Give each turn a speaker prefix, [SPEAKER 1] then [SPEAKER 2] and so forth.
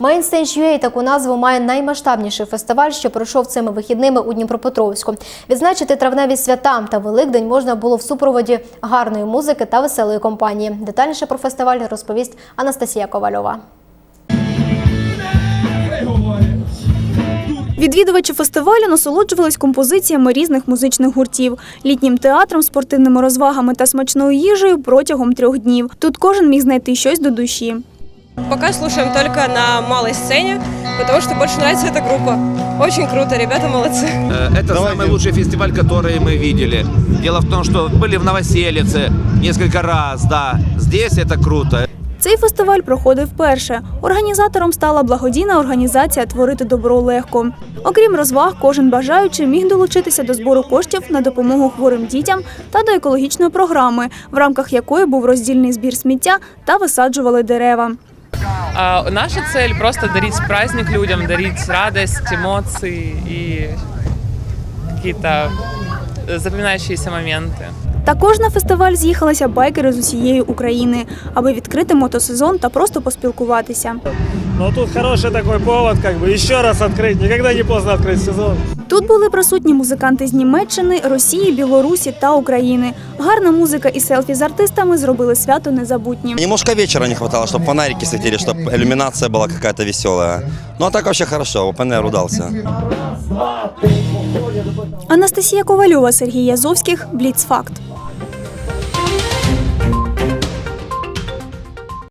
[SPEAKER 1] Mainstage.ua таку назву має наймасштабніший фестиваль, що пройшов цими вихідними у Дніпропетровську. Відзначити травневі свята та Великдень можна було в супроводі гарної музики та веселої компанії. Детальніше про фестиваль розповість Анастасія Ковальова.
[SPEAKER 2] Відвідувачі фестивалю насолоджувались композиціями різних музичних гуртів, літнім театром, спортивними розвагами та смачною їжею протягом 3 днів. Тут кожен міг знайти щось до душі.
[SPEAKER 3] Пока слушаем только на малой сцене, потому что больше нравится эта группа. Очень круто, ребята молодцы.
[SPEAKER 4] Это самый лучший фестиваль, который мы видели. Дело в том, что были в Новоселице несколько раз, да. Здесь это круто.
[SPEAKER 2] Цей фестиваль проходив вперше. Організатором стала благодійна організація «Творити добро легко». Окрім розваг, кожен бажаючий міг долучитися до збору коштів на допомогу хворим дітям та до екологічної програми, в рамках якої був роздільний збір сміття та висаджували дерева.
[SPEAKER 5] Наша цель – просто дарить праздник людям, дарить радость, эмоции и какие-то запоминающиеся моменты.
[SPEAKER 2] Також на фестиваль з'їхалися байкери з усієї України, аби відкрити мотосезон та просто поспілкуватися.
[SPEAKER 6] Ну тут хороший такой повод, ще раз відкрити, ніколи не поздно відкрити сезон.
[SPEAKER 2] Тут були присутні музиканти з Німеччини, Росії, Білорусі та України. Гарна музика і селфі з артистами зробили свято незабутнім.
[SPEAKER 7] Немножко вечера не хватало, чтобы фонарики светили, чтобы иллюминация была какая-то веселая. Ну а так вообще хорошо, опенер удался.
[SPEAKER 2] Анастасія Ковальова, Сергій Язовських, Бліцфакт.